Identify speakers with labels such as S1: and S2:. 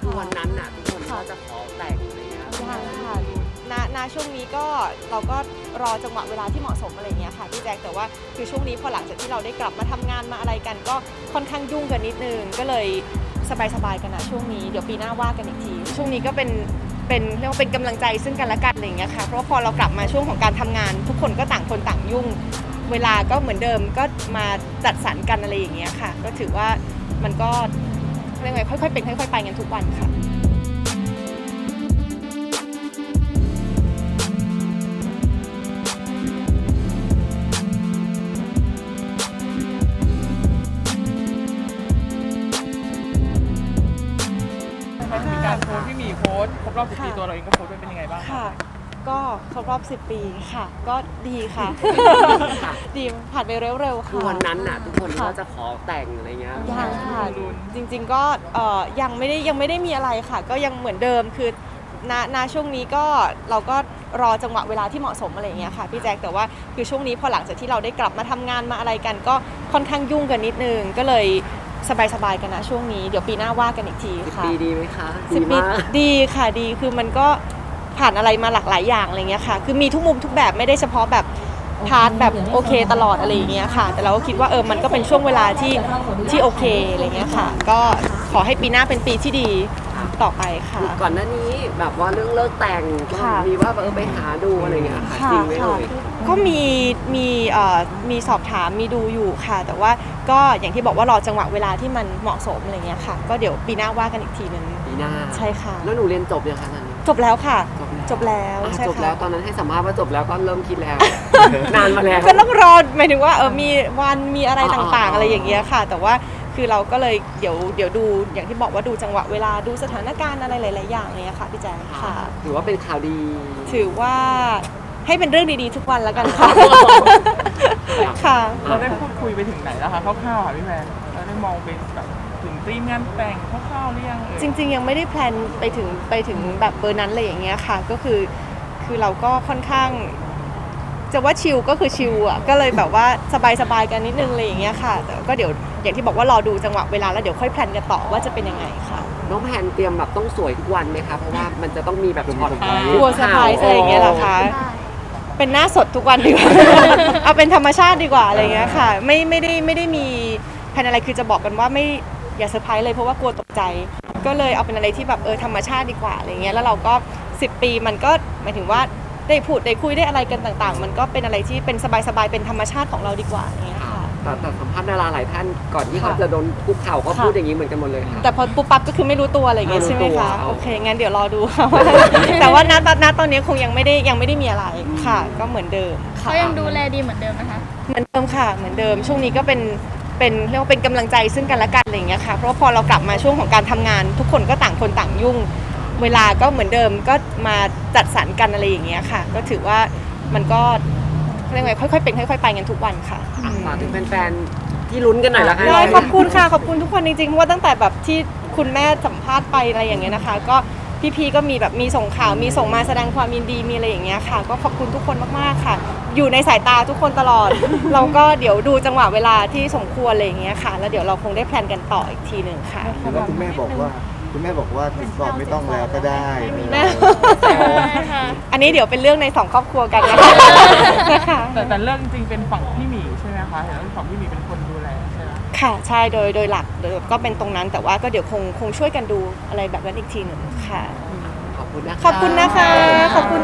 S1: คือวันนั้นน่ะทุกคนก็จะขอแต่งอะไรเงี้ย
S2: ยังค่ะณช่วงนี้ก็เราก็รอจังหวะเวลาที่เหมาะสมอะไรเงี้ยค่ะพี่แจ๊คแต่ว่าคือช่วงนี้พอหลังจากที่เราได้กลับมาทำงานมาอะไรกันก็ค่อนข้างยุ่งกันนิดนึงก็เลยสบายๆกันนะช่วงนี้เดี๋ยวปีหน้าว่ากันอีกทีช่วงนี้ก็เป็นเรียกว่าเป็นกำลังใจซึ่งกันและกันอะไรเงี้ยค่ะเพราะว่าพอเรากลับมาช่วงของการทำงานทุกคนก็ต่างคนต่างยุ่งเวลาก็เหมือนเดิมก็มาจัดสรรกันอะไรอย่างเงี้ยค่ะก็ถือว่ามันก็เรียกว่าค่อยๆเป็นค่อยๆไปกันทุกวันค่ะ
S3: มีการโพสต์พี่หมีโพสต์ครบรอบ10 ปีตัวเราเองก็โพสต์เป็นยังไงบ้าง
S2: ค่ะก็ครบรอบ10 ปีค่ะก็ดีค่ะ ดีผ่านไปเร็วๆ
S1: คือ
S2: ค่ะ
S1: วันนั้นน่ะทุกคนก็จะขอแต่งอะไรเงี้ย
S2: ยังค่ะจริงๆก็ยังไม่ได้มีอะไรค่ะก็ยังเหมือนเดิมคือณช่วงนี้ก็เราก็รอจังหวะเวลาที่เหมาะสมอะไรอย่างเงี้ยค่ะพี่แจ๊คแต่ว่าคือช่วงนี้พอหลังจากที่เราได้กลับมาทำงานมาอะไรกันก็ค่อนข้างยุ่งกันนิดนึงก็เลยสบายๆกันนะช่วงนี้เดี๋ยวปีหน้าว่ากันอีกทีค่ะ
S1: 10 ปีดีไหมคะ
S2: 10 ปีดีค่ะดีคือมันก็ผ่านอะไรมาหลากหลายอย่างอะไรเงี้ยค่ะคือมีทุกมุมทุกแบบไม่ได้เฉพาะแบบพาร์ทแบบโอเคตลอดอะไรอย่างเงี้ยค่ะแต่เราก็คิดว่ามันก็เป็นช่วงเวลาที่โอเคอะไรเงี้ยค่ะก็ขอให้ปีหน้าเป็นปีที่ดีต่อไปค่ะ
S1: ก่อนหน้านี้แบบว่าเรื่องเลิกแต่งก็มีว่าไปหาดูอะไรเงี้ยค่ะจริงไหมเอ่ย
S2: ก็มีสอบถามมีดูอยู่ค่ะแต่ว่าก็อย่างที่บอกว่ารอจังหวะเวลาที่มันเหมาะสมอะไรเงี้ยค่ะก็เดี๋ยวปีหน้าว่ากันอีกทีนึง
S1: ปีหน้า
S2: ใช่ค่ะ
S1: แล้วหนูเรียนจบยังคะตอนนี้
S2: จบแล้วค่ะจบแล้วใช่ค่ะ
S1: จบแล้วตอนนั้นให้สัมภาษณ์ว่าจบแล้วก็เริ่มคิดแล้ว นานมาแล้ว
S2: ก็ต้องรอหมายถึงว่ามีวันมีอะไรต่างๆอะไรอย่างเงี้ยค่ะแต่ว่าคือเราก็เลยเดี๋ยวดูอย่างที่บอกว่าดูจังหวะเวลาดูสถานการณ์อะไรหลายๆอย่างเนี้ยค่ะพี่แจ๊คค่ะ
S1: ถือว่าเป็นข่าวดี
S2: ถือว่าให้เป็นเรื่องดีๆทุกวันแล้วกันค่ะค่ะ
S3: เราได้พูดคุยไปถึงไหนแล้วคะคร่าวๆค่ะพี่แพนเราได้มองเป็นแบบถึงธีมงานแต่งคร่าวๆหรือยัง
S2: จริงๆยังไม่ได้แพลนไปถึงแบบเบอร์นั้นเลยอย่างเงี้ยค่ะก็คือเราก็ค่อนข้างจะว่าชิลก็คือชิลอ่ะก็เลยแบบว่าสบายๆกันนิดนึงเลยอย่างเงี้ยค่ะแต่ก็เดี๋ยวอย่างที่บอกว่ารอดูจังหวะเวลาแล้วเดี๋ยวค่อยแพลนกันต่อว่าจะเป็นยังไงค่ะ
S1: น้องแพนเตรียมแบบต้องสวยทุกวันไหมคะเพราะว่ามันจะต้องมีแบบช็อต
S2: กลัวเซอร์ไพรส์อะไรอย่างเงี้ยเหรอคะเป็นหน้าสดทุกวันดีกว่า เอาเป็นธรรมชาติดีกว่าอะไรเงี้ยค่ะไม่ได้มีแผนอะไรคือจะบอกกันว่าไม่อย่าเซอร์ไพรส์เลยเพราะว่ากลัวตกใจก็เลยเอาเป็นอะไรที่แบบธรรมชาติดีกว่าอะไรเงี้ยแล้วเราก็10 ปีมันก็หมายถึงว่าได้พูดได้คุยได้อะไรกันต่างๆมันก็เป็นอะไรที่เป็นสบายๆเป็นธรรมชาติของเราดีกว่าอย่างเงี้ยค่ะ
S1: แต่สัมภาษณ์ดาราหลายท่านก่อนที่เขาจะโดนคุกเข่าก็พูดอย่างนี้เหมือนกันหมดเลยค่ะ
S2: แต่พอปุ๊บปั๊บก็คือไม่รู้ตัวอะไรอย่างเงี้ยใช่ไหมคะโอเคงั้นเดี๋ยวรอดูค่ะแต่ว่าณตอนนี้คงยังไม่ได้มีอะไรค่ะก็เหมือนเดิมค่ะ
S4: เขายังดูแลดีเหมือนเดิมนะคะ
S2: เหมือนเดิมค่ะเหมือนเดิมช่วงนี้ก็เป็นเรียกว่าเป็นกำลังใจซึ่งกันและกันอะไรอย่างเงี้ยค่ะเพราะว่าพอเรากลับมาช่วงของการทำงานทุกคนก็ต่างคนต่างยุ่งเวลาก็เหมือนเดิมก็มาจัดสรรกันอะไรอย่างเงี้ยค่ะก็ถือว่ามันก็เรียกว่าค่อยๆเป็นค่อยๆไปกันทุกวันค่ะ
S1: ฝากถึงแฟนๆที่ลุ้นกันหน่อยละกัน
S2: ได้ขอบคุณค่ะขอบคุณทุกคนจริงๆเพราะว่าตั้งแต่แบบที่คุณแม่สัมภาษณ์ไปอะไรอย่างเงี้ยนะคะก็พี่ๆก็มีแบบมีส่งข่าวมีส่งมาแสดงความยินดีมีอะไรอย่างเงี้ยค่ะก็ขอบคุณทุกคนมากๆค่ะอยู่ในสายตาทุกคนตลอด เราก็เดี๋ยวดูจังหวะเวลาที่สมควรอะไรอย่างเงี้ยค่ะแล้วเดี๋ยวเราคงได้แพลนกันต่ออีกทีหนึ่งค่ะ
S5: แล้วคุณแม่บอกว่าสินสอดไม่ต้องแล้วก็ได้
S2: อันนี้เดี๋ยวเป็นเรื่องใน2 ครอบครัวกันนะคะ
S3: แต่เรื่องจริงเป็นฝั่งพี่หมีใช่ไหมคะเห็นว่าฝั่งพี่หมีเป็นคนดูแลใช่ไหม
S2: ค่ะใช่โดยหลักก็เป็นตรงนั้นแต่ว่าก็เดี๋ยวคงช่วยกันดูอะไรแบบนั้นอีกทีหนึ่งค่ะ
S1: ขอบคุณนะคะ
S2: ขอบคุณนะคะขอบคุณ